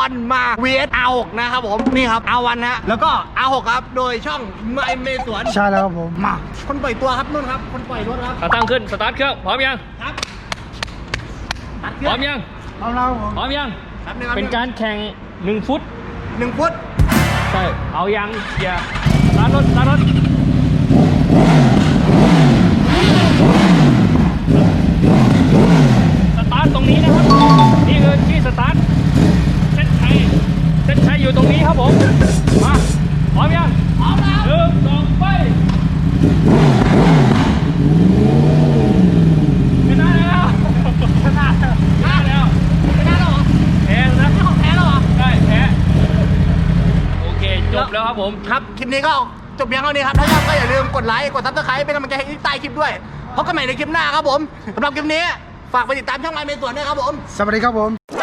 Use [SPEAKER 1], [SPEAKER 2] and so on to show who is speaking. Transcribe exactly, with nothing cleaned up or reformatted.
[SPEAKER 1] วันมา วี เอส อาร์ หก นะครับผมนี่ครับ อาร์ วัน ฮะแล้วก็ อาร์ หก ครับโดยช่องไมเมสวน
[SPEAKER 2] ใช่แล้วครับผม
[SPEAKER 1] มาคนปล่อยตัวครับนุ่นครับคนปล่อยรถครับ
[SPEAKER 3] ขาตั้งขึ้นสตาร์ทเครื่องพร้อมยัง
[SPEAKER 1] ครับตัดเค
[SPEAKER 3] พ
[SPEAKER 1] รื่
[SPEAKER 3] ร้อมยัง
[SPEAKER 2] เอาแล้วครับผม
[SPEAKER 3] พร้อมยัง
[SPEAKER 1] ครับงครับ
[SPEAKER 3] เป็นการแข่งหนึ่งฟุต
[SPEAKER 1] หนึ่งฟุต
[SPEAKER 3] ใช่เอายังอย่าสตาร์ทรถสตาร์ทรถสตาร์ทตรงนี้นะครับนี่คือที่สตาร์ทเส้นชัยเส้นชัยอยู่ตรงนี้ครับผมมาพร้อมยังพร้อมแล้วหนึ่งสองไปชนะแล้วชนะแล้วชนะแล้วชนะแล้วเหรอแพ้นะนี่ของแพ้แล้วเหรอใช่แพ้โอเคจบแล้วครับผม
[SPEAKER 1] ครับคลิปนี้ก็จบเพียงเท่านี้ครับถ้าชอบก็อย่าลืมกดไลค์กดซับสไครป์เป็นกำลังใจให้ใต้คลิปด้วยพบกันใหม่ในคลิปหน้าครับผมสำหรับคลิปนี้ฝากไปติดตามช่องไมเมสวนด้วยครับผม
[SPEAKER 2] สวัสดีครับผม